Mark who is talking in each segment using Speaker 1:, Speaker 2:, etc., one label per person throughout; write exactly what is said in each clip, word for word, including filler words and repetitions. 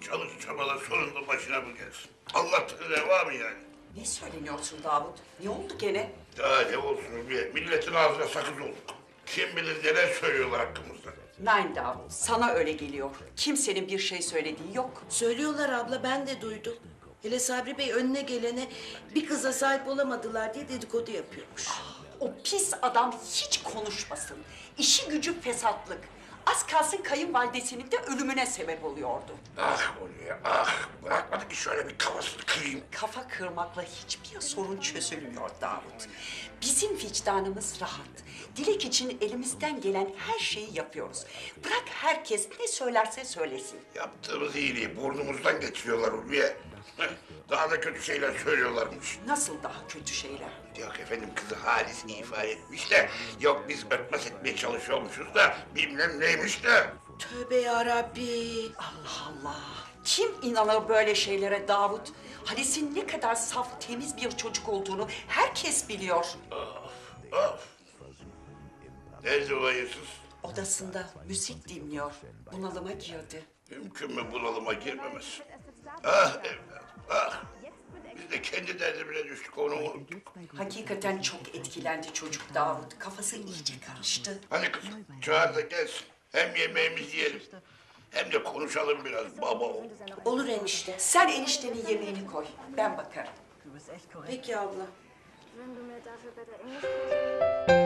Speaker 1: çalış çabala sonunda başına bu gelsin. Allah'tan reva mı yani?
Speaker 2: Ne söyleniyorsun Davut? Ne oldu gene?
Speaker 1: Daha ne olsun Ulviye, milletin ağzına sakız olduk. Kim bilir neler söylüyorlar hakkımızda.
Speaker 2: Nein Davut, sana öyle geliyor. Kimsenin bir şey söylediği yok.
Speaker 3: Söylüyorlar abla, ben de duydum. Hele Sabri Bey önüne gelene bir kıza sahip olamadılar diye dedikodu yapıyormuş.
Speaker 2: O pis adam hiç konuşmasın. İşi gücü fesatlık. Az kalsın kayınvalidesinin de ölümüne sebep oluyordu.
Speaker 1: Ah Ulviye, ah! Bırakmadı ki şöyle bir kafasını kırayım.
Speaker 2: Kafa kırmakla hiçbir sorun çözülmüyor Davut. Bizim vicdanımız rahat. Dilek için elimizden gelen her şeyi yapıyoruz. Bırak herkes ne söylerse söylesin.
Speaker 1: Yaptığımız iyiliği burnumuzdan geçiriyorlar Ulviye. Heh, daha da kötü şeyler söylüyorlarmış.
Speaker 2: Nasıl daha kötü şeyler?
Speaker 1: Yok efendim, kızı Halis ifade etmiş de, yok biz örtbas etmeye çalışıyormuşuz da, bilmem neymiş de.
Speaker 3: Tövbe yarabbi.
Speaker 2: Allah Allah! Kim inanır böyle şeylere Davut? Halis'in ne kadar saf, temiz bir çocuk olduğunu herkes biliyor.
Speaker 1: Of! Nerede o hayırsız?
Speaker 2: Odasında müzik dinliyor. Bunalıma girdi.
Speaker 1: Mümkün mü bunalıma girmemesi? Ah evladım, ah! Biz de kendi derdimize düştük, onu unuttuk.
Speaker 2: Hakikaten çok etkilendi çocuk Davut. Kafası iyice karıştı.
Speaker 1: Hani kızım, çağır da gelsin. Hem yemeğimizi yiyelim, hem de konuşalım biraz baba oğul.
Speaker 3: Olur enişte.
Speaker 2: Sen eniştenin yemeğini koy. Ben bakarım.
Speaker 3: Peki abla.
Speaker 4: Wenn du mir dafür bitte Englisch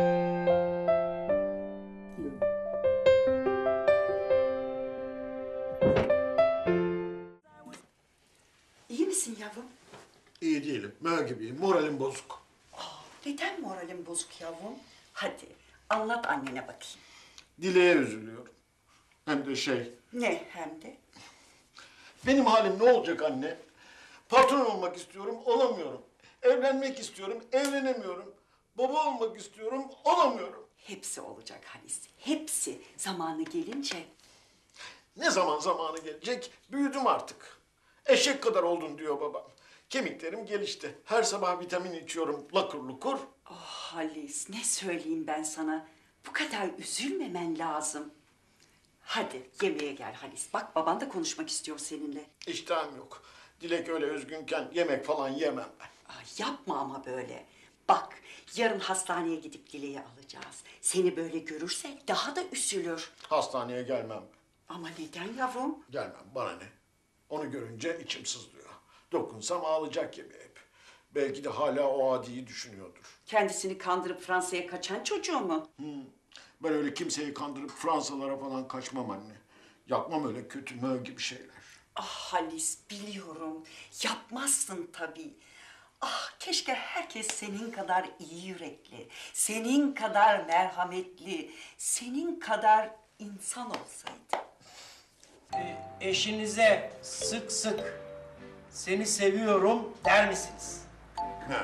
Speaker 2: İyi misin yavrum?
Speaker 5: İyi değilim. Mö gibiyim. Moralim bozuk.
Speaker 2: Neden moralin bozuk yavrum? Hadi anlat annene bakayım.
Speaker 5: Dileğe üzülüyorum. Hem de şey,
Speaker 2: Ne hem de?
Speaker 5: benim halim ne olacak anne? Patron olmak istiyorum, olamıyorum. Evlenmek istiyorum, evlenemiyorum. Baba olmak istiyorum, olamıyorum.
Speaker 2: Hepsi olacak Halis. Hepsi zamanı gelince.
Speaker 5: Ne zaman zamanı gelecek? Büyüdüm artık. Eşek kadar oldun diyor babam. Kemiklerim gelişti. Her sabah vitamin içiyorum, lakur lukur.
Speaker 2: Oh Halis ne söyleyeyim ben sana? Bu kadar üzülmemen lazım. Hadi yemeğe gel Halis. Bak baban da konuşmak istiyor seninle.
Speaker 5: İştahım yok. Dilek öyle üzgünken yemek falan yemem ben.
Speaker 2: Ay, yapma ama böyle. Bak yarın hastaneye gidip Dileği alacağız. Seni böyle görürse daha da üzülür.
Speaker 5: Hastaneye gelmem.
Speaker 2: Ama neden yavrum?
Speaker 5: Gelmem, bana ne? Onu görünce içim sızlıyor. Dokunsam ağlayacak gibi hep. Belki de hala o adiyi düşünüyordur.
Speaker 2: Kendisini kandırıp Fransa'ya kaçan çocuğu mu?
Speaker 5: Ben öyle kimseyi kandırıp Fransalara falan kaçmam anne. Yapmam öyle kötü mö gibi şeyler.
Speaker 2: Ah Halis biliyorum. Yapmazsın tabii. Ah keşke herkes senin kadar iyi yürekli, senin kadar merhametli, senin kadar insan olsaydı.
Speaker 6: E, eşinize sık sık seni seviyorum der misiniz?
Speaker 5: He.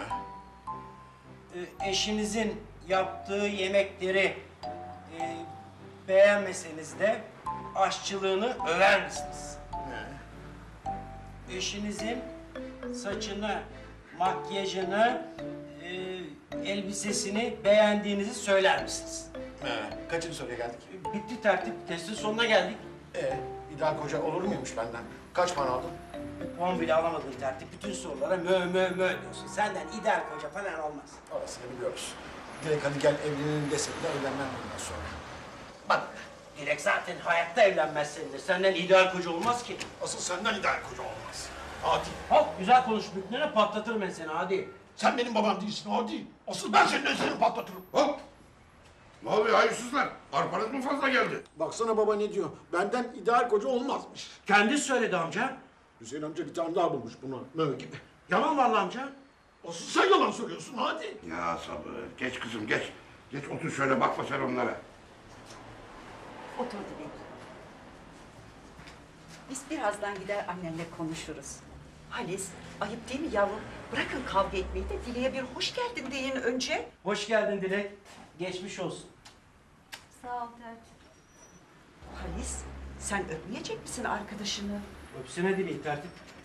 Speaker 6: E, eşinizin yaptığı yemekleri e, beğenmeseniz de aşçılığını över misiniz?
Speaker 5: He.
Speaker 6: Eşinizin saçını, makyajını, e, elbisesini beğendiğinizi söyler misiniz?
Speaker 5: He. Kaçıncı soruya geldik?
Speaker 6: E, bitti tertip, testin sonuna geldik.
Speaker 5: Ee, ideal koca olur muymuş benden? Kaç puan aldın?
Speaker 6: Puan bile alamadın tertip. Bütün sorulara mö mö mö diyorsun. Senden ideal koca falan olmaz.
Speaker 5: Orasını biliyoruz. Dilek hadi gel evlenelim dese bile evlenmem bundan sonra.
Speaker 6: Bak, Dilek zaten hayatta evlenmez seninle. Senden ideal koca olmaz ki.
Speaker 5: Asıl senden ideal koca olmaz. Adi.
Speaker 6: Hop, güzel konuş. Büklere patlatırım ben seni hadi.
Speaker 5: Sen benim babam değilsin Adi. Asıl ben senin seni patlatırım.
Speaker 1: Hop! Ne oluyor hayırsızlar? Arpanız mı fazla geldi?
Speaker 5: Baksana baba ne diyor? Benden ideal koca olmazmış.
Speaker 6: Kendisi söyledi amca.
Speaker 5: Hüseyin amca bir tane daha bulmuş bunu mö gibi.
Speaker 6: Yalan vallahi amca.
Speaker 5: Asıl sen yalan söylüyorsun hadi.
Speaker 1: Ya sabır, geç kızım geç. Geç otur şöyle, bakma sen onlara.
Speaker 2: Otur Dilek. Biz birazdan gider annenle konuşuruz. Halis, ayıp değil mi yavrum? Bırakın kavga etmeyi de Dile'ye bir hoş geldin deyin önce.
Speaker 6: Hoş geldin Dilek. Geçmiş olsun.
Speaker 4: Sağ ol tertip.
Speaker 2: Halis, sen öpmeyecek misin arkadaşını?
Speaker 6: Öpsene Dilek tertip.